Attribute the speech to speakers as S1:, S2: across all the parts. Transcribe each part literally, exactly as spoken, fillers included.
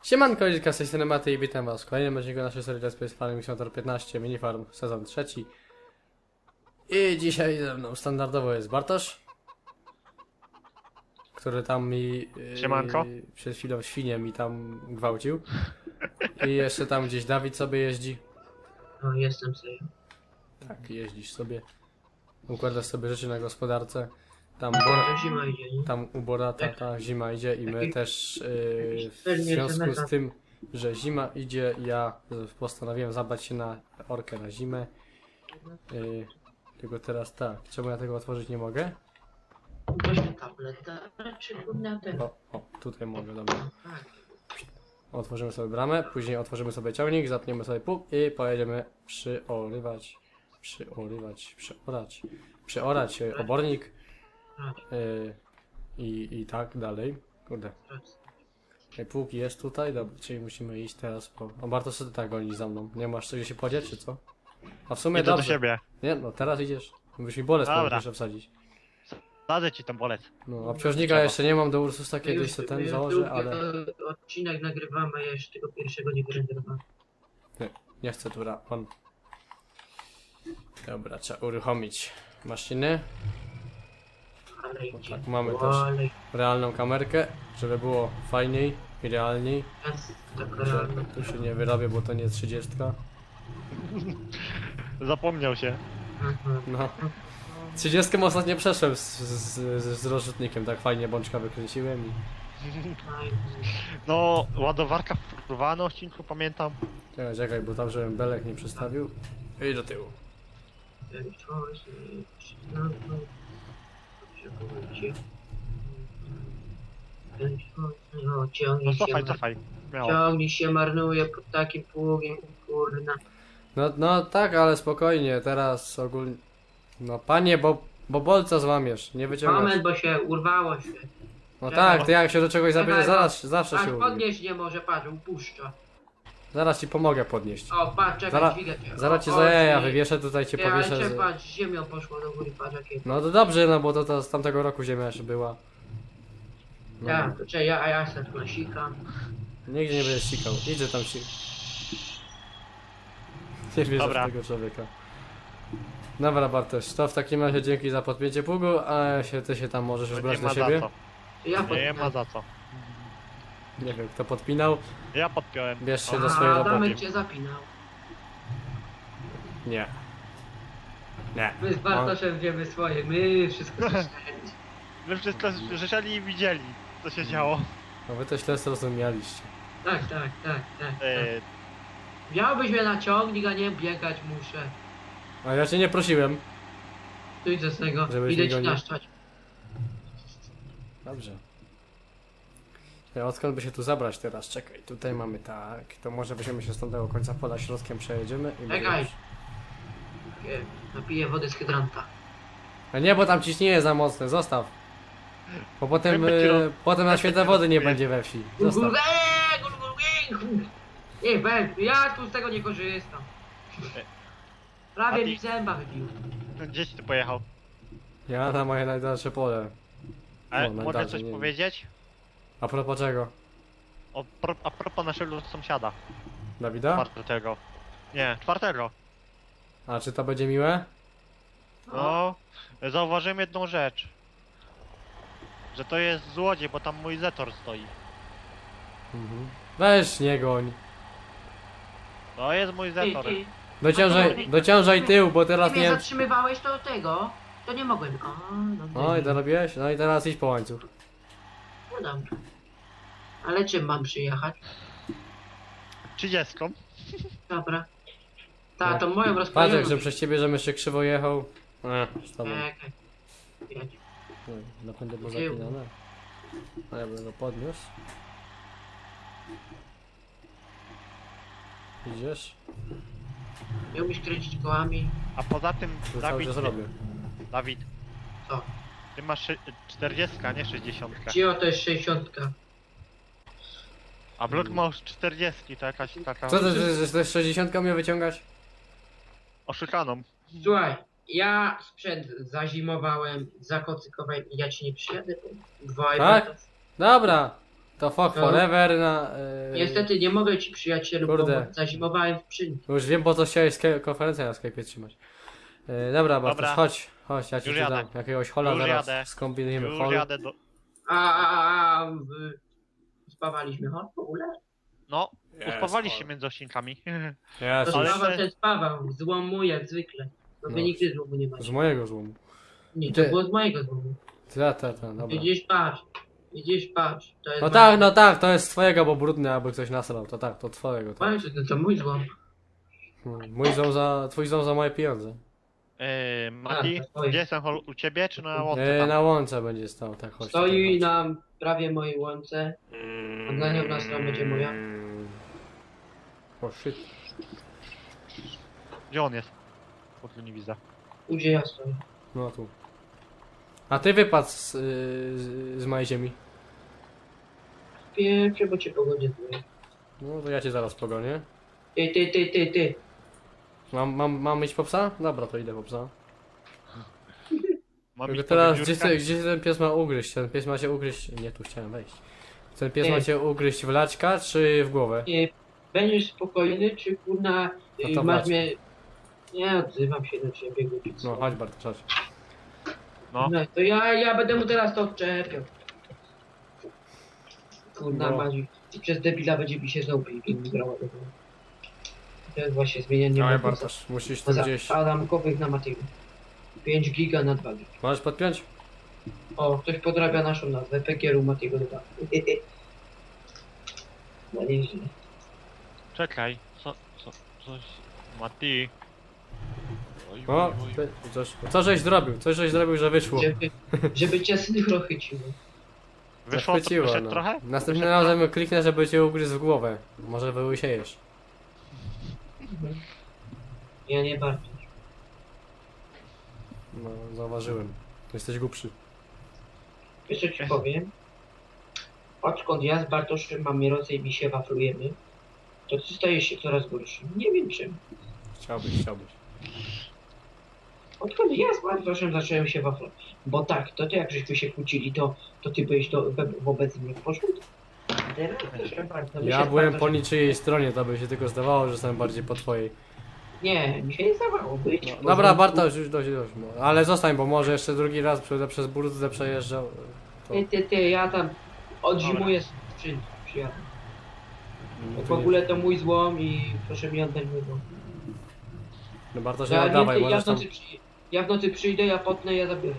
S1: Siemanko, Liczka, z tej strony Maty i witam was w kolejnym odcinku naszej serii Let's Play Farming Simulator piętnaście Minifarm sezon trzeci. I dzisiaj ze mną standardowo jest Bartosz, który tam mi yy,
S2: Siemanko.
S1: przed chwilą świnię mi tam gwałcił. I jeszcze tam gdzieś Dawid sobie jeździ.
S3: No, jestem sobie.
S1: Tak, jeździsz sobie. Układasz sobie rzeczy na gospodarce. Tam,
S3: To
S1: Bor
S3: zima idzie, nie?
S1: tam u Borata ta zima idzie i my
S3: Jaki-
S1: też yy, w
S3: Pewnie
S1: związku
S3: SMS-a.
S1: z tym, że zima idzie, ja postanowiłem zabrać się na orkę na zimę. Yy, tylko teraz tak, czemu ja tego otworzyć nie mogę?
S3: Weźmy tableta, czy na ten.
S1: O, o, tutaj mogę, dobra.
S3: Tak.
S1: Otworzymy sobie bramę, później otworzymy sobie ciągnik, zapniemy sobie pług i pojedziemy przyorywać, przyorywać, przeorać, przeorać yy, obornik yy, i, i tak dalej. Kurde. Yy, Pług jest tutaj, dobra, czyli musimy iść teraz po... O, Bartosz, co ty tak gonisz za mną? Nie masz gdzie się podzieć, czy co? A w sumie
S2: Idę do
S1: dobrze.
S2: siebie.
S1: Nie, no teraz idziesz. Musisz mi bolec
S2: Dobra.
S1: jeszcze wsadzić.
S2: Dadzę ci ten bolec.
S1: No, obciążnika
S2: Trzeba.
S1: jeszcze nie mam, do Ursusa
S3: My
S1: kiedyś
S3: już-
S1: sobie
S3: my
S1: ten
S3: już
S1: założę,
S3: drugi,
S1: ale
S3: e, Odcinek nagrywamy, a ja jeszcze tego pierwszego nie wyrenderowałem.
S1: nie chcę tu ra- on. Dobra, trzeba uruchomić maszyny.
S3: Ale idzie.
S1: tak, mamy
S3: O,
S1: też.
S3: Ale
S1: Realną kamerkę, żeby było fajniej i realniej.
S3: jest taka
S1: Że
S3: realna.
S1: tu się nie wyrobię, bo to nie trzydziestka.
S2: Zapomniał się.
S3: Aha.
S1: No. trzydziestkę ostatnio przeszłem z, z, z, z rozrzutnikiem, tak fajnie bączka wykręciłem i...
S3: Fajnie.
S2: No, ładowarka wpływa na odcinku, pamiętam.
S1: Czekaj, czekaj, bo tam żebym belek nie przestawił. I do tyłu.
S3: Ten czas, e, przyznano. Potrzebujecie. Ten czas, no,
S2: No
S3: ciągnie się,
S2: cofaj,
S3: mar-
S2: cofaj. Miało.
S3: ciągnie się marnuje pod takim pługiem, kurna.
S1: No, no tak, ale spokojnie, teraz ogólnie... No panie, bo, bo bolca złamiesz, nie wyciągasz.
S3: Moment, bo się urwało się.
S1: No tak, ty jak się do czegoś zabierze,
S3: Czekaj,
S1: zaraz, zawsze
S3: Aż
S1: się urwie.
S3: podnieść nie może, patrz, upuszcza.
S1: Zaraz ci pomogę podnieść.
S3: O, patrz, czekaj,
S1: Zaraz,
S3: dźwigę cię.
S1: zaraz
S3: O,
S1: ci
S3: o,
S1: za jaja
S3: dźwigę.
S1: wywieszę, tutaj cię
S3: Ty, ale
S1: powieszę.
S3: cię,
S1: Z...
S3: patrz, ziemią poszło do góry, patrz jakie.
S1: No to dobrze, no bo to, to z tamtego roku ziemia jeszcze była. No.
S3: Ja, to czekaj, ja, a ja se tu nasikam.
S1: Nigdzie nie będziesz sikał, idzie tam si... Nie wierzę
S2: Dobra.
S1: w tego człowieka. Dobra Bartosz, to w takim razie dzięki za podpięcie pługu, a się, ty się tam możesz już
S2: No
S1: brać
S2: nie
S1: do
S2: ma
S1: siebie.
S2: za
S3: To ja
S2: co. Nie
S3: podpinam.
S2: ma za co.
S1: Nie wiem kto podpinał,
S2: Ja podpiąłem.
S1: bierz się
S2: O,
S1: do swojej
S3: A
S1: roboty.
S3: Adamek cię zapinał.
S1: Nie. Nie.
S3: My z Bartoszem wiemy swoje, my wszystko słyszeli.
S2: My wszystko słyszeli i widzieli, co się działo.
S1: No wy to źle zrozumialiście.
S3: Tak, tak, tak, tak. tak.
S2: E,
S3: Miałbyś mnie na ciągnik, a nie biegać muszę.
S1: A ja cię nie prosiłem.
S3: Tu idę z tego,
S1: Żebyś
S3: idę
S1: nie
S3: ci
S1: gonił.
S3: naszczać.
S1: Dobrze. Ja odkąd by się tu zabrać teraz? Czekaj, tutaj mamy tak. To może weźmiemy się z tamtego końca pola środkiem, przejedziemy i
S3: Czekaj.
S1: będziemy-
S3: Nie, Napiję wody z hydranta.
S1: A nie, bo tam ciśnienie za mocne, zostaw. Bo potem,
S2: Jakby kilo-
S1: y, potem na święte wody nie będzie we wsi. Zostaw.
S3: Eee, gul, gul, gul. Nie, ben, ja tu z tego nie korzystam. Prawie
S2: A
S3: mi
S2: ty-
S3: zęba wybił.
S2: Gdzieś ty pojechał.
S1: Ja na moje najdalsze pole.
S2: Ale
S1: No,
S2: mogę
S1: najdalej,
S2: coś
S1: nie wiem.
S2: powiedzieć?
S1: A propos czego?
S2: O, pro, a propos naszego sąsiada.
S1: Dawida?
S2: Czwartego. Nie, czwartego.
S1: A czy to będzie miłe?
S2: No, zauważyłem jedną rzecz. Że to jest złodziej, bo tam mój Zetor stoi.
S1: Mhm. Weź nie goń.
S2: To jest mój
S3: Ty,
S2: Zetor.
S3: ty,
S1: Dociążaj, dociążaj tył, bo teraz
S3: ty mnie
S1: nie...
S3: zatrzymywałeś to tego? To nie mogłem. O, no,
S1: No i to robiłeś? No i teraz idź po łańcuch.
S3: No dobra. Ale czym mam przyjechać?
S2: Trzydziestką.
S3: Dobra. Ta, to moją
S1: Patrz jak,
S3: rozkładowaną.
S1: że przez ciebie, żem jeszcze krzywo jechał. Eee, z tobą.
S3: Czekaj. Jedź.
S1: Nie, napędy było
S3: Tył.
S1: zapinane. A ja bym go podniósł. Idziesz?
S3: Nie umiesz kręcić kołami.
S2: A poza tym,
S1: To cały
S2: Dawid,
S1: czas robię.
S2: Dawid,
S3: Co?
S2: ty masz szy- czterdziestka, nie sześćdziesiątka.
S3: Cio to jest sześćdziesiątka.
S2: A blok ma już czterdziestki, to jakaś taka
S1: Co ty, ty, ty, ty sześćdziesiątkę mnie wyciągać?
S2: oszukaną.
S3: Słuchaj, ja sprzęt zazimowałem, zakocykowałem i ja ci nie przyjadę. bo Dwa i
S1: Tak?
S3: pół.
S1: Dobra! To fuck
S3: No.
S1: forever na... Yy,
S3: Niestety nie mogę ci przyjacielu,
S1: Kurde.
S3: bo zazimowałem w skrzyni.
S1: Już wiem, po co chciałeś ske- konferencję na Skype'ie trzymać. Yy, dobra, Bartosz,
S2: Dobra.
S1: chodź. Chodź, ja ci
S2: Już
S1: tu
S2: jadę.
S1: dam jakiegoś hola
S2: Już
S1: zaraz.
S2: jadę.
S1: Skombinujemy
S2: Już
S1: hol.
S2: jadę do...
S3: A, a, a, a w... spawaliśmy, ho? W ogóle?
S2: No,
S1: Jest,
S2: uspawaliście
S1: hol.
S2: między odcinkami.
S1: Jest,
S3: To
S2: Ale
S3: spawał,
S2: te-
S3: ten spawał, złomu jak zwykle. No wy
S1: No.
S3: nigdy złomu nie
S1: z
S3: macie.
S1: mojego złomu.
S3: Nie, to
S1: Ty.
S3: było z mojego złomu.
S1: Ta, ta, ta, dobra.
S3: Idziesz patrz, idziesz patrz. To jest
S1: No
S3: moje-
S1: tak, no tak, to jest twojego, bo brudny, aby ktoś nasrał. To tak, to twojego. Tak.
S3: Moje, to, to mój złom.
S1: Hmm, Mój ząb za, twój ząb za moje pieniądze.
S2: Yy, Mati,
S3: A, to stoi.
S2: gdzie jestem? Hol- U ciebie czy na łące
S1: Yy,
S2: tam?
S1: na łące będzie stał, tak, chodź.
S3: Stoi
S1: tutaj, chodź.
S3: na prawie mojej łące. A dla nią na stronę będzie moja.
S1: O shit.
S2: Gdzie on jest? Bo tu nie widzę.
S3: Gdzie ja stoję.
S1: No tu. A ty wypadł z, yy, z, z mojej ziemi.
S3: Pierwsze, bo cię pogodzie zły.
S1: No to ja cię zaraz pogonię.
S3: Ty, ty, ty, ty, ty.
S1: Mam, mam, mam iść po psa? Dobra, to idę po psa.
S2: Mam
S1: Tylko
S2: iść
S1: teraz,
S2: po
S1: gdzie,
S2: wybiórkę?
S1: gdzie ten pies ma ugryźć? Ten pies ma cię ugryźć... Nie, tu chciałem wejść. Ten pies
S3: Ty.
S1: ma cię ugryźć w laczka, czy w głowę?
S3: Nie, będziesz spokojny, czy kurna
S1: No
S3: y,
S1: to
S3: masz
S1: wracam.
S3: mnie... Nie odzywam się do ciebie, głupiec.
S1: No, chodź Bartosz, chodź.
S2: No,
S3: No, to ja, ja będę mu teraz to odczepiał. Kurna
S1: No.
S3: Mazi. I przez debila będzie mi się znowu pięknie grała do tego. To jest właśnie zmienianie
S1: Dawaj
S3: mocy.
S1: Bartosz, musisz tu
S3: Za
S1: gdzieś...
S3: Adamkowych na Matiego. pięć giga na dwa giga.
S1: Możesz podpiąć?
S3: O, ktoś podrabia naszą nazwę. Pekieru Matiego dwa. No nieźle.
S2: czekaj. Co, co, coś... Mati. Oj,
S1: O,
S2: oj, oj.
S1: ty, coś, co żeś zrobił? Coś żeś zrobił, że wyszło.
S3: Żeby, żeby cię synchro chyciło.
S2: Wyszło to
S1: Zachwyciło,
S2: wyszedł
S1: no.
S2: trochę?
S1: Następnym razem kliknę, żeby cię ugryzł w głowę. Może wyłysiejesz.
S3: Ja nie bardzo.
S1: No, zauważyłem. Jesteś głupszy.
S3: Wiesz co ci powiem? Odkąd ja z Bartoszem mamy rodzę i mi się waflujemy, to ty stajesz się coraz gorszy. Nie wiem czym.
S1: Chciałbyś, chciałbyś.
S3: Odkąd ja z Bartoszem zacząłem się waflować. Bo tak, to ty jak żeśmy się kłócili, to, to ty byłeś do, we, wobec mnie w porządku. Teraz też bardzo- my się
S1: Ja
S3: z
S1: byłem po
S3: Bartoszem-
S1: niczyjej stronie, to by się tylko zdawało, że jestem bardziej po twojej.
S3: Nie, mi się nie zdawało być.
S1: No,
S3: w
S1: dobra,
S3: porządku.
S1: Bartosz, już dość, dość. no. Ale zostań, bo może jeszcze drugi raz przez, przez burdę przejeżdżał. To...
S3: Ty, ty, ty, ja tam odzimuję skrzynki, przyjadę.
S1: No,
S3: W
S1: to nie-
S3: ogóle to mój złom i proszę mi oddać mój złom.
S1: No Bartosz, nie
S3: Ja,
S1: oddawaj,
S3: nie, ja,
S1: możesz
S3: w
S1: tam...
S3: nocy przy, ja w nocy przyjdę, ja potnę, ja zabiorę.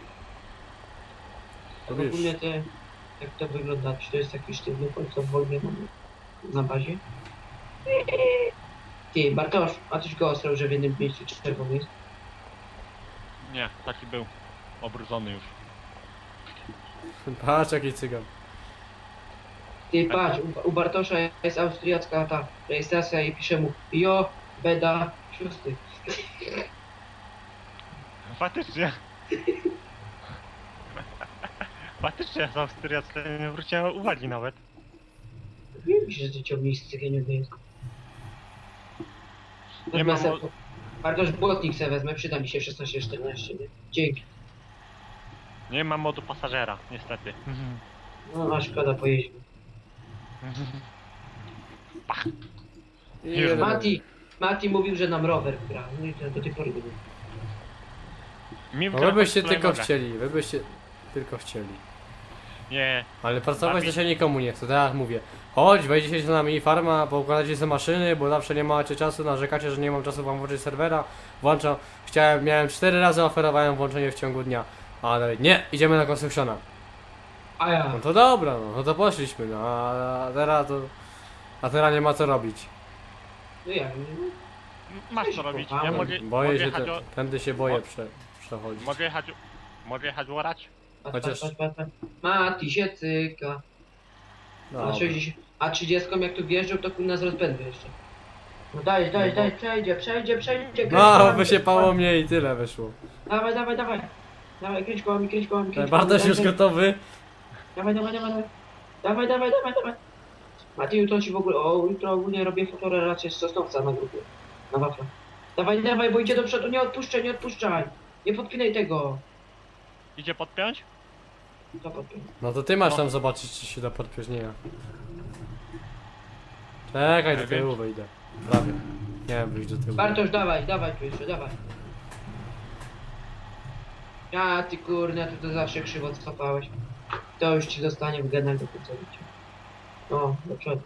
S1: Robisz.
S3: Ogólnie te, jak to wygląda, czy to jest taki sztywny co w Wolwie mamy na bazie? Ty, Bartosz, a coś go ostrał, że w jednym miejscu czerwony jest?
S2: Nie, taki był. Obrudzony już.
S1: Patrz jaki cygan.
S3: Ty, patrz, u, u Bartosza jest austriacka ta rejestracja i pisze mu Jo, Beda, szósty.
S2: Faktycznie. Faktycznie z Austriacji nie zwróciłem uwagi nawet.
S3: Wiem, że ty ciągniesz z cygieniowy jest.
S2: Nie mam...
S3: Wezmę se- Bartosz, błotnik se wezmę, przyda mi się szesnaście czternaście, nie? Dzięki.
S2: Nie mam modu pasażera, niestety.
S3: No, a szkoda, pojeźdźmy.
S1: I
S2: Już
S1: jeden.
S3: Mati, Mati mówił, że nam rower gra. No i to do tej pory było.
S2: Mi
S1: No wy byście
S2: wgrał
S1: tylko
S2: nogę.
S1: chcieli, wy byście tylko chcieli.
S2: Nie,
S1: Ale pracować
S2: Bawi-
S1: to się nikomu nie chce, tak jak mówię. Chodź, wejdziecie z nami farma, poukładacie sobie maszyny, bo zawsze nie macie czasu, narzekacie, że nie mam czasu wam włączyć serwera. Włączam, chciałem, miałem cztery razy oferowałem włączenie w ciągu dnia. Ale nie, idziemy na Constructiona.
S3: A ja.
S1: No to dobra, no, no to poszliśmy, no a teraz to... A teraz nie ma co robić.
S3: No ja,
S2: masz co robić. Ja
S3: Kochałem.
S2: mogę,
S1: Boję
S2: mogę
S1: się,
S2: jechać
S1: te,
S2: o...
S1: tędy się boję
S2: Mo-
S1: prze, przechodzić.
S2: Mogę jechać... Mogę jechać orać?
S3: patrz,
S1: Chociaż-
S3: patrz, patrz, patrz. Mati się cyka. A,
S1: Dobra.
S3: sześćdziesiąt, a trzydziestką jak tu wjeżdżał, to kurna z rozpędu jeszcze. No daj, daj,
S1: No
S3: daj,
S1: bo-
S3: przejdzie, przejdzie, przejdzie. kręć
S1: No,
S3: kołami,
S1: wysiepało mnie i tyle wyszło.
S3: Dawaj, dawaj, dawaj. Dawaj, kręć kołami, kręć kołami, kręć
S1: Bartosz
S3: kołami,
S1: już
S3: dawaj,
S1: gotowy.
S3: Dawaj, dawaj, dawaj, dawaj. Dawaj, dawaj, dawaj, dawaj. Mati, jutro ci w ogóle, o, jutro ogólnie robię fotorelację z Sosnowca na grupie. Na wafla. Dawaj, dawaj, bo idzie do przodu, nie odpuszczaj, nie odpuszczaj. Nie podpinaj tego.
S2: Idzie podpiąć?
S3: To podpiął.
S1: No to ty masz
S2: No.
S1: tam zobaczyć, czy się da podpiąć, nie ja. Czekaj, do
S2: Nie
S1: tyłu
S2: wiem.
S1: wyjdę. Prawie. Nie wiem, wyjść do tyłu.
S3: Bartosz, dawaj, dawaj tu jeszcze, dawaj. Ja, ty kurna, ty to zawsze krzywo cofałeś. To już ci zostanie w genach do końca życia. O, do przodu.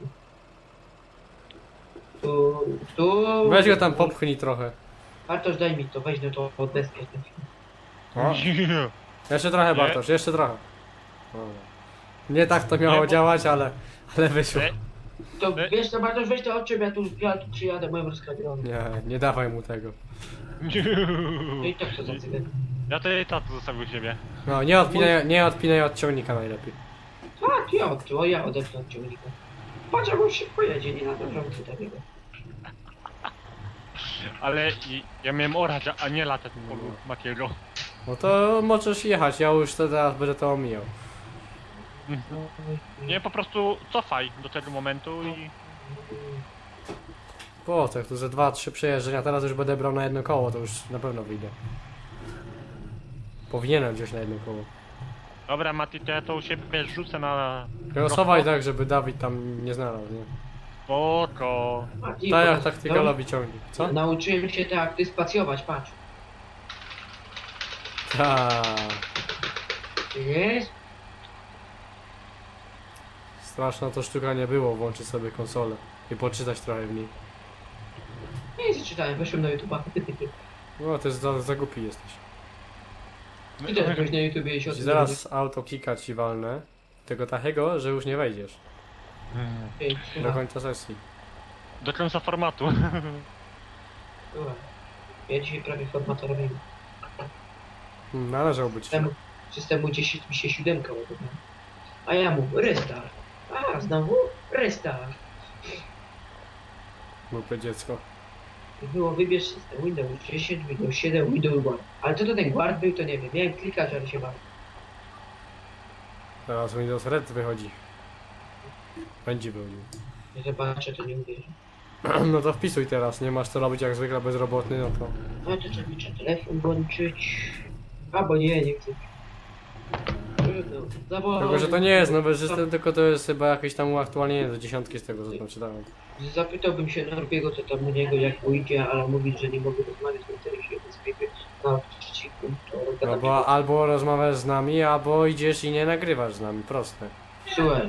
S3: Tu, tu.
S1: Weź go tam popchnij trochę.
S3: Bartosz, daj mi to, weź no to od deskę. ten film.
S1: O. Jeszcze trochę,
S2: Nie.
S1: Bartosz, jeszcze trochę. Dobra. Nie tak to miało
S2: Nie, bo-
S1: działać, ale, ale wyszło.
S2: Nie.
S3: To
S2: E?
S3: wiesz co, Bartosz, weź to od ciebie, ja tu, ja tu przyjadę moim rozkradzionym.
S1: Nie, nie dawaj mu tego.
S3: No i tak to za cygan.
S2: Ja to i tak zostawił siebie.
S1: No, nie odpinaj, nie odpinaj od ciągnika najlepiej.
S3: Tak, ja od, o, ja odepnę od ciągnika. Patrz, jak on szybko jedzie, nie na to drący takiego.
S2: Ale i- ja miałem orać, a nie latać po Makiego.
S1: No to możesz jechać, ja już teraz będę to omijał.
S2: Nie, po prostu cofaj do tego momentu i...
S1: Po co, jak tu ze dwa, trzy przejeżdżenia, teraz już będę brał na jedno koło, to już na pewno wyjdę. Powinienem wziąć na jedno koło.
S2: Dobra, Mati, to ja to u siebie rzucę na...
S1: Losować tak, żeby Dawid tam nie znalazł, nie?
S2: Spoko.
S3: Mati,
S1: Tak jak
S3: powiedz,
S1: taktyka
S3: no,
S1: lobi ciągnik, co?
S3: Nauczyłem się tak, ty spacjować, patrz.
S1: Tak.
S3: Jest?
S1: Straszna to sztuka nie było, włączyć sobie konsolę i poczytać trochę w niej.
S3: Nie czytałem, weszłem na YouTube'a.
S1: No, to jest za, za głupi jesteś.
S3: Ty też byś na YouTubie się o
S1: Ci
S3: tym
S1: zaraz auto kika ci walnę. Tego takiego, że już nie wejdziesz.
S3: dowiedzieć. Ej,
S1: Do
S3: słuchaj,
S1: końca sesji.
S2: Do końca formatu.
S3: słuchaj. Ja dzisiaj prawie format robiłem.
S1: Hmm, należałby ci.
S3: Systemu, systemu dziesięć mi się siódemka ładowała. A ja mu, restart. A, znowu? Restart.
S1: Głupie dziecko.
S3: I było wybierz system Windows dziesięć, Windows siedem, Windows Guard. Ale co to ten Guard był, to nie wiem. Miałem klikać, ale się bałem.
S1: Teraz Windows Red wychodzi. Będzie wychodził.
S3: Nie zobaczę, to nie uwierzę.
S1: No to wpisuj teraz, nie masz co robić jak zwykle bezrobotny, no to...
S3: No to trzeba trzeba telefon włączyć. Albo nie, nie chcę. Trudno. Zawołaj.
S1: Tylko, że to nie jest nowy system, tylko to jest chyba jakieś tam uaktualnienie do dziesiątki z tego, co tam czytałem.
S3: Zapytałbym się Norbiego, co tam u niego, jak pójdzie, ale mówi, że nie mogę rozmawiać na telefonie z Skype na przeciwku. To
S1: No
S3: gadam
S1: bo albo rozmawiasz z nami, albo idziesz i nie nagrywasz z nami, proste.
S3: Słuchaj,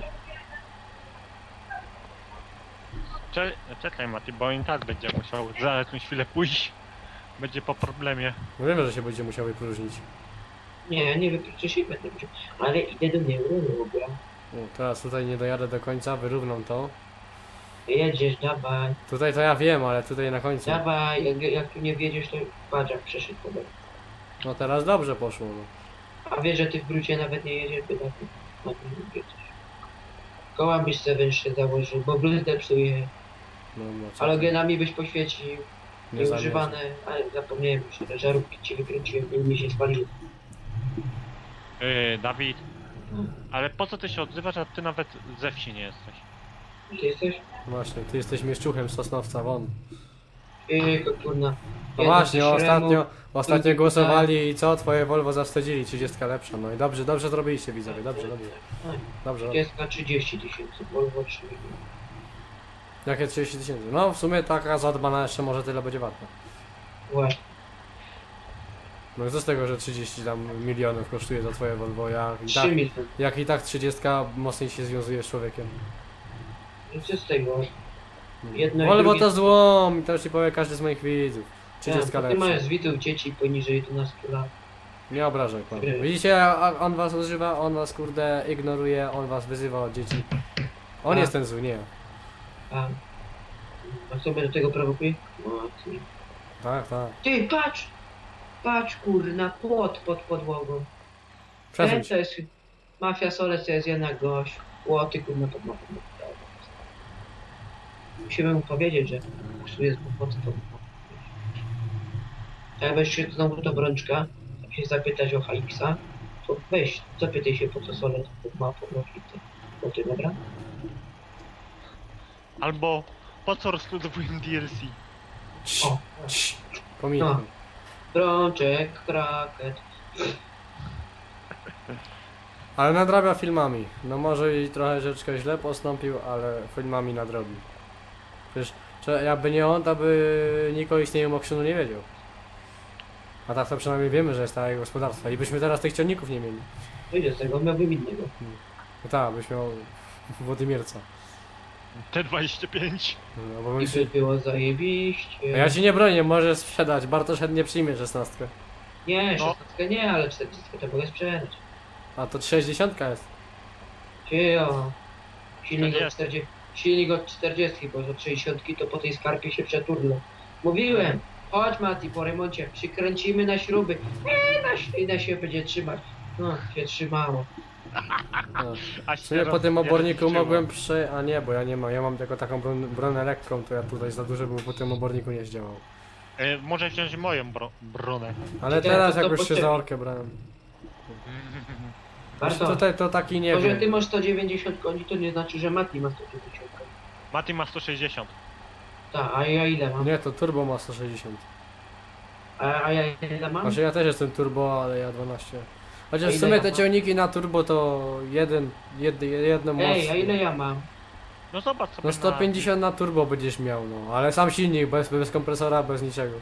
S2: Cze czekaj, Mati, bo i tak będzie musiał za jakąś chwilę pójść. Będzie po problemie.
S1: No wiemy, że się będzie musiał wypróżnić.
S3: nie, nie wykluczę się, będę musiał, ale idę do neurologa.
S1: No, teraz tutaj nie dojadę do końca, wyrównam to.
S3: Jedziesz, dawaj,
S1: Tutaj to ja wiem, ale tutaj na końcu.
S3: dawaj, jak, jak tu nie wiedziesz, to patrz jak przeszedł po drodze.
S1: No teraz dobrze poszło, no.
S3: A wiesz, że ty w brucie nawet nie jedziesz, by tak na tym nie wiedzieć. Koła byś sobie węższe założył, bo bluzdę psuje,
S1: No, no co ty,
S3: halogenami byś poświecił,
S1: nie
S3: nieużywane, ale zapomniałem już, że żarówki ci wykręciłem i mi się spaliły.
S2: Yy, Dawid. Ale po co ty się odzywasz, a ty nawet ze wsi nie jesteś?
S3: Ty jesteś?
S1: Właśnie, ty jesteś mieszczuchem Sosnowca, won.
S3: Ej, kurna.
S1: No
S3: Jeden
S1: właśnie,
S3: ze
S1: ostatnio,
S3: Śremu,
S1: ostatnio
S3: drugi
S1: głosowali i co? Twoje Volvo zawstydzili, trzydziestka lepsza. No i dobrze, dobrze zrobiliście widzowie, dobrze, dobrze.
S3: Tak,
S1: Dobrze, dobrze.
S3: jest na trzydzieści tysięcy, Volvo trzy.
S1: Jakie trzydzieści tysięcy? No w sumie taka zadbana jeszcze może tyle będzie warta.
S3: Właśnie.
S1: No i co z tego, że trzydzieści tam milionów kosztuje za twoje Volvo, jak i
S3: trzy
S1: tak,
S3: miliony.
S1: jak i tak trzydziestka mocniej się związuje z człowiekiem.
S3: I co z tego? Jedno i
S1: Volvo
S3: drugie-
S1: to złom i to już ci powie każdy z moich widzów. trzydziestka
S3: Tak, ty masz
S1: lepsza.
S3: zwitych dzieci poniżej jedenastu lat.
S1: Nie obrażaj pan.
S3: Nie.
S1: Widzicie, a- on was używa, on was kurde ignoruje, on was wyzywa od dzieci. On
S3: Tak.
S1: jest ten zły, nie ja.
S3: A, a co mnie do tego prowokuje? No, ty.
S1: Tak, tak.
S3: Ty, patrz! Patrz, kurna, płot pod podłogą.
S1: Przesuń
S3: Ten
S1: się.
S3: to jest mafia Solec, to jest jednak gość. Płoty, kurna, pod mapą. Musimy mu powiedzieć, że psuje kłopoty pod mapą. A jak weź się znowu do Brączka, jak się zapytać o H X-a, to weź, zapytaj się po co Solec pod mapą robi te płoty, dobra?
S2: Albo po co rozbudowuję D L C?
S1: Cii,
S3: O,
S1: cii. Pomijaj.
S3: Brączek, kraket.
S1: Ale nadrabia filmami. No może i trochę rzeczkę źle postąpił, ale filmami nadrobił. Przecież czy jakby nie on, to by nikt o istnieniu Mokrzynu nie wiedział. A tak to przynajmniej wiemy, że jest takie gospodarstwo. I byśmy teraz tych ciągników nie mieli.
S3: Wyjdzie z tego, miałbym innego.
S1: No tak, byś miał Władimierca.
S2: T dwadzieścia pięć.
S1: No, bo
S3: I
S1: bym się...
S3: by było zajebiście.
S1: Ja ci nie bronię, możesz sprzedać. Bartosz chętnie przyjmie szesnastkę.
S3: Nie,
S2: No.
S3: szesnastkę nie, ale czternastkę to mogę sprzedać.
S1: A to sześćdziesiątka jest.
S3: Cio. Silnik od
S2: czterdzieści.
S3: czterdzieści. Silnik od czterdzieści, bo od sześćdziesiątki to po tej skarpie się przeturlę. Mówiłem, chodź Mati, po remoncie, przykręcimy na śruby. Eee, na ślinę się będzie trzymać. No, się trzymało.
S1: No.
S2: A
S1: W sumie po
S2: teraz
S1: tym
S2: nie
S1: oborniku
S2: rozliczyło.
S1: mogłem prze... A nie, bo ja nie mam. Ja mam tylko taką bron, bronę lekką, to ja tutaj za dużo bym po tym oborniku nie zdziałał.
S2: E, może wziąć moją bro bronę.
S1: Ale
S3: Czy
S1: teraz
S3: to
S1: jak już się
S3: potrzebne?
S1: za orkę brałem.
S3: Bardzo.
S1: Tutaj to taki nie
S3: To, że ty
S1: wiem.
S3: masz sto dziewięćdziesiąt koni, to nie znaczy, że Mati ma sto dziewięćdziesiąt koni.
S2: Mati ma sto sześćdziesiąt.
S3: Tak, a ja ile mam?
S1: Nie, to turbo ma sto sześćdziesiąt.
S3: A, a ja ile mam?
S1: Znaczy ja też jestem turbo, ale ja dwanaście.
S3: A
S1: Chociaż w
S3: ile
S1: sumie
S3: ja
S1: te
S3: mam?
S1: ciągniki na turbo to jeden, jed, jedno moc.
S3: Ej, a ile ja mam?
S2: No zobacz sobie
S1: No sto pięćdziesiąt na turbo będziesz miał, no. Ale sam silnik, bez, bez kompresora, bez niczego.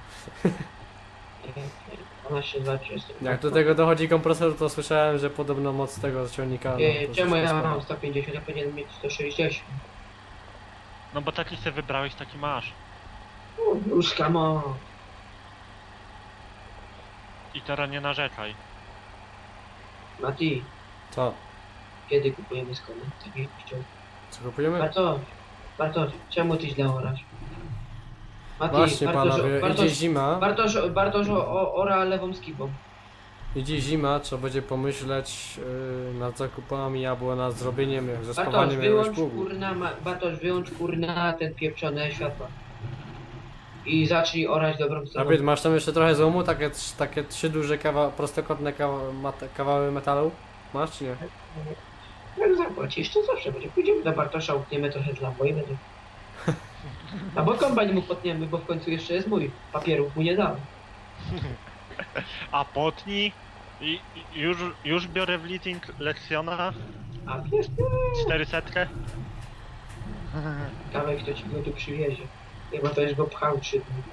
S3: dwanaście, dwadzieścia jestem.
S1: Jak do tego dochodzi kompresor, to słyszałem, że podobno moc tego ciągnika... No,
S3: Ej,
S1: to
S3: czemu ja
S1: troszeczkę
S3: mam
S1: spada.
S3: sto pięćdziesiąt, ja powinienem mieć sto sześćdziesiąt?
S2: No bo taki sobie wybrałeś, taki masz.
S3: U, Już kamo.
S2: I teraz nie narzekaj.
S3: Mati,
S1: Co?
S3: kiedy kupujemy skony? Tak jak chciał.
S1: Co kupujemy?
S3: Bartosz, Bartosz, czemu ty źle orasz? Mati,
S1: Właśnie
S3: Bartosz,
S1: panowie, idzie
S3: Bartosz,
S1: zima.
S3: Bartosz, Bartosz o, ora lewą skibą.
S1: Idzie zima, trzeba będzie pomyśleć yy, nad zakupami albo nad zrobieniem, jak
S3: Bartosz,
S1: zespawaniem jakiegoś
S3: wyłącz
S1: pługu.
S3: kurna, ma- Bartosz, wyłącz kurna ten pieprzone światła. I zacznij orać dobrą stroną.
S1: David, masz tam jeszcze trochę złomu? Takie, trz- takie trzy duże kawa, prostokątne kawa, mat, kawały metalu? Masz czy nie?
S3: Jak zapłacisz, to zawsze będzie. Pójdziemy do Bartosza, utniemy trochę z lambo i będzie. Albo kombajn mu potniemy, bo w końcu jeszcze jest mój. Papierów mu nie dałem.
S2: A potni? I, i już, już biorę w leasing Lexiona
S3: A wiesz,
S2: czterysta.
S3: ciekawe kto ci go tu przywiezie. Chyba to już go pchał trzy dni.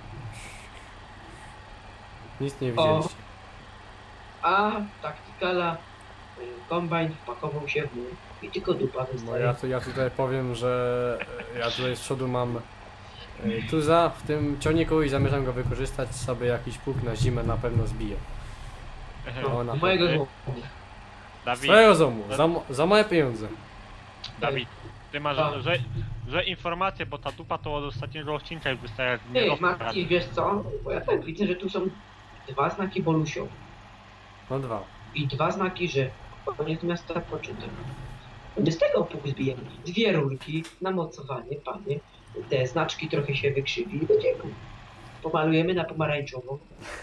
S1: Nic nie
S3: O.
S1: widzieliście.
S3: A taktykala, y, kombajn wpakował się w mur i tylko dupa
S1: Bo
S3: wystaje.
S1: ja, tu, ja tutaj powiem, że ja tutaj z przodu mam y, tuza w tym ciągniku i zamierzam go wykorzystać sobie jakiś pług na zimę na pewno zbiję.
S3: No,
S1: ona-
S3: mojego
S2: Ej.
S3: złomu.
S2: Dawid,
S1: Swojego zomu, za, mo- za małe pieniądze.
S2: Dawid, ty masz
S3: Co?
S2: złe, złe informacje, bo ta dupa to od ostatniego odcinka już wystaje jak
S3: Ej,
S2: nie
S3: Mati, wiesz co? Bo ja tak widzę, że tu są dwa znaki Bolusio
S1: No dwa.
S3: i dwa znaki, że koniec miasta poczytek. My z tego pług zbijemy. Dwie rurki, namocowanie, panie. Te znaczki trochę się wykrzywi i będziemy. Pomalujemy na pomarańczową.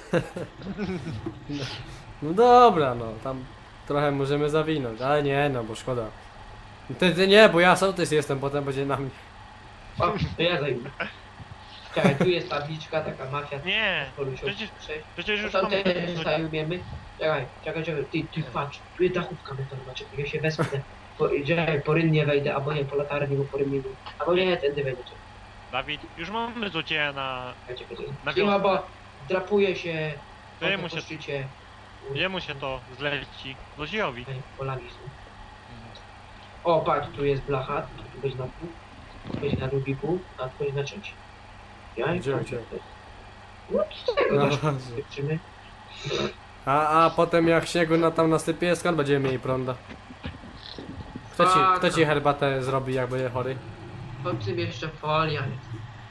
S1: No dobra, no tam trochę możemy zawinąć, ale nie no, bo szkoda. Ty, ty nie, bo ja sołtys jestem, potem będzie na mnie.
S3: O, to ja zajmę. Czekaj, tu jest tabliczka, taka mafia.
S2: Nie,
S3: Bolusio.
S2: przecież,
S3: Sześć.
S2: przecież już
S3: To
S2: mamy...
S3: też zajmiemy. Czekaj, czekaj, czekaj, ty, ty patrz, tu jest dachówka metalowa, czekaj, ja się wespnę. Po, czekaj, po rynnie wejdę, albo nie, po latarni, bo po rynnie nie. Albo nie, tędy wejdę, czekaj,
S2: Dawid, już mamy złodzieja na...
S3: czekaj, czekaj.
S2: Na
S3: Cicho,
S2: wiosnę.
S3: bo drapuje się
S2: To
S3: po,
S2: jemu
S3: po
S2: się-
S3: szczycie.
S2: Jemu się to zleci. Złodziejowi.
S3: Czekaj, polagi są. O, patrz, tu jest blacha, tu będzie na pół, tu będzie na drugi pół, a tu będzie na trzeci. Ja
S1: Gdzie,
S3: tam-
S1: gdzie?
S3: No, z tego
S1: No,
S3: też wytrzymy.
S1: A, a potem jak śniegu na tam nasypie, skąd będziemy mieli prąda? Kto ci,
S3: Tak.
S1: kto ci herbatę zrobi, jak będzie chory?
S3: Po czym jeszcze folia jest.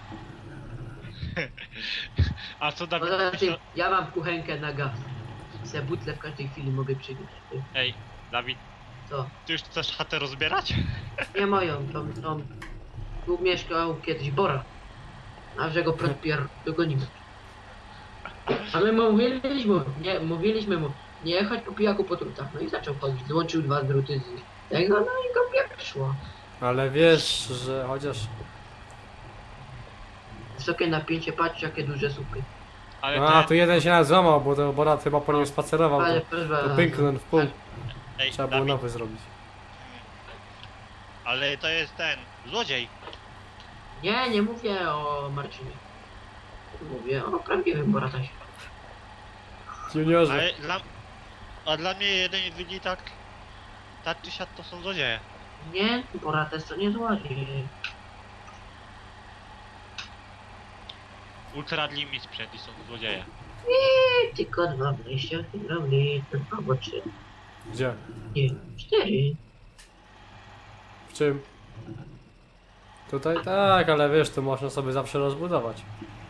S2: A co Dawid...
S3: Poza tym, ja mam kuchenkę na gaz. Se butle w każdej chwili mogę przywieźć.
S2: Ej, Dawid,
S3: Co?
S2: ty już chcesz chatę rozbierać?
S3: Nie moją, tą, tą. Tu mieszkał kiedyś Bora. A że go protpier dogonimy. A my mu mówiliśmy, nie, mówiliśmy mu, nie chodź po pijaku po drutach. No i zaczął chodzić, złączył dwa druty z tego, no i go pierwszło.
S1: Ale wiesz, że chociaż...
S3: Wysokie napięcie, patrz jakie duże słupy.
S2: Ale
S1: A,
S2: te...
S1: tu jeden się nas złamał, bo to Borat chyba po nim spacerował,
S3: Ale
S1: to,
S3: proszę
S1: to pęknął w pół.
S2: Ej,
S1: Trzeba było
S2: Dawid,
S1: nowy zrobić.
S2: ale to jest ten, złodziej.
S3: Nie, nie mówię o Marcinie. Mówię o prawdziwym Boratasie.
S1: Juniorze.
S2: Ale dla... A dla mnie jeden widzi tak... Tak czy siak to są złodzieje.
S3: Nie, Borates to nie złodziej.
S2: Ukradli mi sprzęt i są złodzieje.
S3: Nie, tylko dwa wejścia, hydraulik, albo trzy.
S1: Gdzie?
S3: Nie, cztery.
S1: W czym? Tutaj tak, ale wiesz, to można sobie zawsze rozbudować.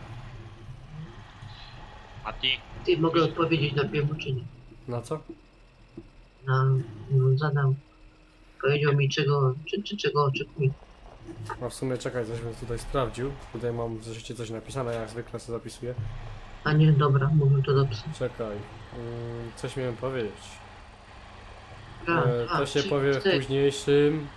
S2: Mati,
S3: Ty mogę odpowiedzieć na piemu czy nie?
S1: Na co?
S3: Na, no, zadał. Powiedział mi czego, czy, czy czego oczekuje.
S1: A w sumie czekaj, coś bym tutaj sprawdził. Tutaj mam w zeszycie coś napisane, jak zwykle sobie zapisuję.
S3: A nie, dobra, mówię to dobrze.
S1: Czekaj. Mm, coś miałem powiedzieć.
S3: A,
S1: E,
S3: a,
S1: to się
S3: trzy,
S1: powie w
S3: cztery.
S1: późniejszym.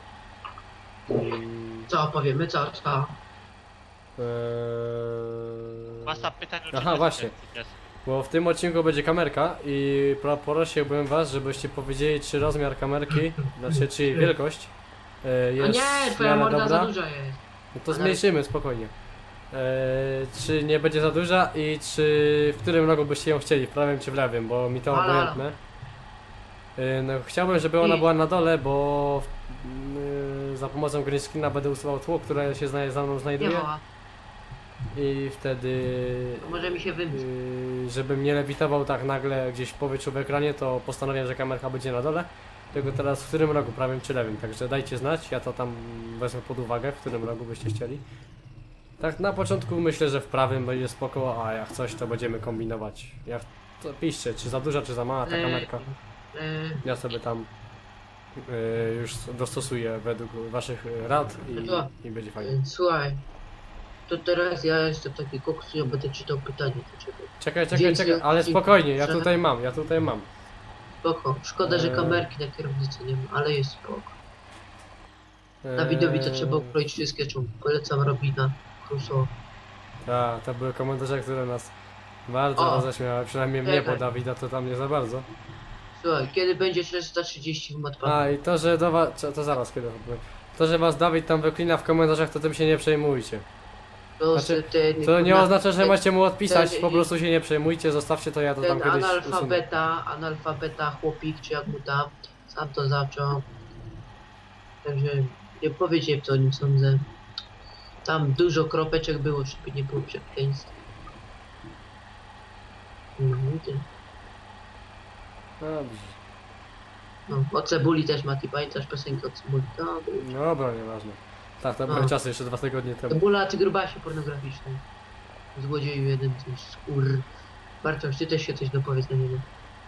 S1: Mm,
S3: Co powiemy, co, co?
S1: e,
S2: masa pytań o
S1: Aha,
S2: czym
S1: właśnie.
S2: jest.
S1: Bo w tym odcinku będzie kamerka i pro- prosiłbym was, żebyście powiedzieli, czy rozmiar kamerki, znaczy czy jej wielkość e,
S3: No
S1: jest
S3: nie,
S1: w
S3: twoja
S1: miarę
S3: morda
S1: dobra.
S3: za duża jest.
S1: No to zmniejszymy spokojnie. E, czy nie będzie za duża i czy w którym rogu byście ją chcieli, w prawym czy w lewym, bo mi to
S3: Halo, halo.
S1: obojętne. E, no, chciałbym, żeby ona
S3: I-
S1: była na dole, bo e, za pomocą green screena będę usuwał tło, które się zna- za mną
S3: Nie
S1: znajduje
S3: mała,
S1: i wtedy
S3: to może mi się wybić.
S1: Yy, żebym nie lewitował tak nagle gdzieś w powietrzu w ekranie, to postanowiłem, że kamerka będzie na dole. Tylko teraz w którym rogu, prawym czy lewym, także dajcie znać, ja to tam wezmę pod uwagę, w którym rogu byście chcieli. Tak na początku myślę, że w prawym będzie spoko, a jak coś to będziemy kombinować. Jak to piszcie, czy za duża, czy za mała ta
S3: E,
S1: kamerka.
S3: e,
S1: Ja sobie tam yy, już dostosuję według waszych yy, rad
S3: To-
S1: i, i będzie fajnie.
S3: e, słuchaj, to teraz ja jestem taki koks, ja będę czytał pytanie do ciebie.
S1: Czekaj, czekaj,
S3: Więc
S1: czekaj,
S3: ja-
S1: ale spokojnie, ja
S3: że-
S1: tutaj mam, ja tutaj mam.
S3: Spoko, szkoda, że
S1: Eee.
S3: kamerki na kierownicy nie ma, ale jest spoko. Dawidowi to trzeba
S1: Eee,
S3: ukroić wszystkie czemu. Polecam Robina, Crusoe.
S1: Tak, to były komentarze, które nas bardzo
S3: O!
S1: roześmiały, przynajmniej mnie, bo
S3: Czekaj.
S1: Dawida to tam nie za bardzo.
S3: Słuchaj, kiedy będzie czterysta trzydzieści w Matpadu?
S1: A i to, że do was, to, to zaraz kiedy powiem. To, że was Dawid tam wyklina w komentarzach, to tym się nie przejmujcie.
S3: To,
S1: znaczy,
S3: ten,
S1: To nie
S3: na-
S1: oznacza, że
S3: ten-
S1: macie mu odpisać,
S3: ten-
S1: po prostu się nie przejmujcie, zostawcie to, ja to tam
S3: Ten
S1: kiedyś usunę.
S3: analfabeta, analfabeta chłopik, czy jak mu tam, sam to zaczął. Także nie powiecie w to o nim sądzę. Tam dużo kropeczek było, żeby nie było przekleństw. No, i tyle.
S1: Dobrze.
S3: No, o cebuli też Mati, pamiętasz piosenkę o cebuli? To był.
S1: Dobra, nieważne. Tak, to były
S3: A.
S1: czasy jeszcze dwa tygodnie temu.
S3: Cebula, ty grubasie pornograficzny. Złodzieju jeden, coś skór. Bartosz, ty też się coś dopowiedz na niego.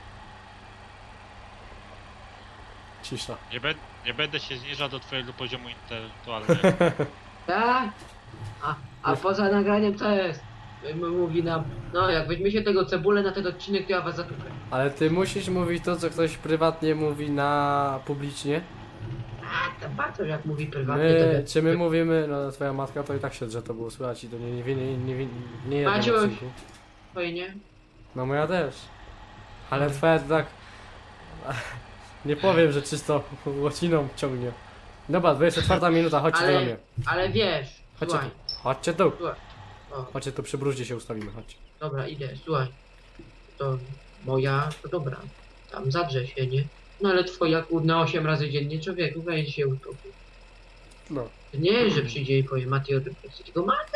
S1: Cisza.
S2: Nie, be, nie będę się zniżał do twojego poziomu intelektualnego.
S3: Tak? A, a poza nagraniem co jest? M- Mówi nam, no jak weźmie się tego cebulę na ten odcinek, to ja was zatupę.
S1: Ale ty musisz mówić to, co ktoś prywatnie mówi na publicznie.
S3: A to Bartosz jak mówi prywatnie, to
S1: My,
S3: wie.
S1: czy my mówimy, no twoja matka to i tak się, że to było słychać i to nie, nie, nie, nie, nie, nie jednym
S3: Maciuś.
S1: odcinku.
S3: Fajnie.
S1: No moja też. Ale twoja to tak... Nie powiem, że czysto łociną ciągnie. Dobra, dwudziesta czwarta minuta, chodźcie
S3: Ale-
S1: do mnie.
S3: Ale wiesz,
S1: Chodźcie
S3: słuchaj.
S1: tu. Chodźcie tu.
S3: Słuchaj. O,
S1: Chodźcie tu, przy bruździe się ustawimy, chodźcie.
S3: dobra, idę, słuchaj. To moja, to dobra. Tam zadrze się, nie? No ale twoja kurna osiem razy dziennie, człowieku, weź się uspokój.
S1: No.
S3: To nie, że przyjdzie i powie Mati od refleksji, tylko Mati!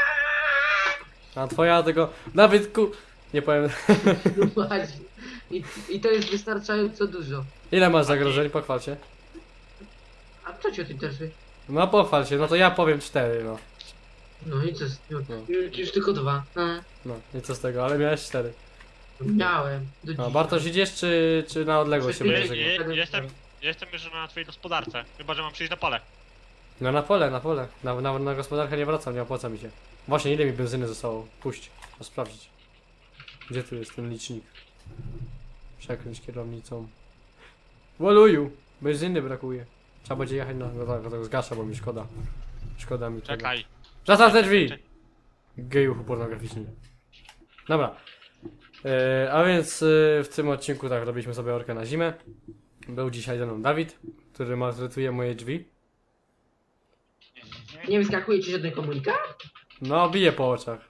S1: A twoja tego... Dawidku... Nie powiem...
S3: No właśnie. I, I to jest wystarczająco dużo.
S1: Ile masz zagrożeń? Pochwal się.
S3: A co cię o tym interesuje?
S1: No pochwal się, no to ja powiem cztery, no.
S3: No i co? z- No,
S1: No.
S3: już, już tylko dwa. A,
S1: No, i co z tego, ale miałeś cztery.
S3: miałem. Do
S1: No,
S3: dzisiaj.
S1: Bartosz idziesz, czy, czy na odległość się
S3: Czy-
S1: będziesz
S2: Je,
S1: żegnał?
S2: je, jestem, jestem już na twojej gospodarce. Chyba, że mam przyjść na pole.
S1: No na pole, na pole. Na, na, na gospodarkę nie wracam, nie opłaca mi się. Właśnie, ile mi benzyny zostało? Puść, to sprawdzić. Gdzie tu jest ten licznik? Przekręć kierownicą. Woluju! Benzyny brakuje. Trzeba będzie jechać na... No tak, tak zgaszę, bo mi szkoda. Szkoda mi tego.
S2: Czekaj.
S1: Zastaw te drzwi!
S2: Czekaj.
S1: Gejuchu pornograficzny. Dobra. E, a więc e, w tym odcinku tak robiliśmy sobie orkę na zimę. Był dzisiaj ze mną Dawid, który maltretuje moje drzwi.
S3: Nie wyskakuje ci żaden komunikat?
S1: No, bije po oczach.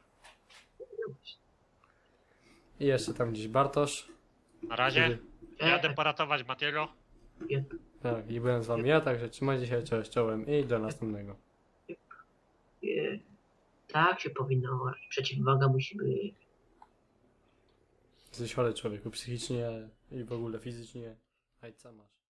S1: I jeszcze tam gdzieś Bartosz.
S2: Na razie.
S3: E,
S2: Jadę poratować Matiego.
S3: e,
S1: Tak, i byłem z wami ja, także trzymajcie się, cześć, czołem i do następnego.
S3: e, tak się powinno. Przeciwwaga musi być.
S1: Jesteś chory człowieku, psychicznie i w ogóle fizycznie. Hajca masz.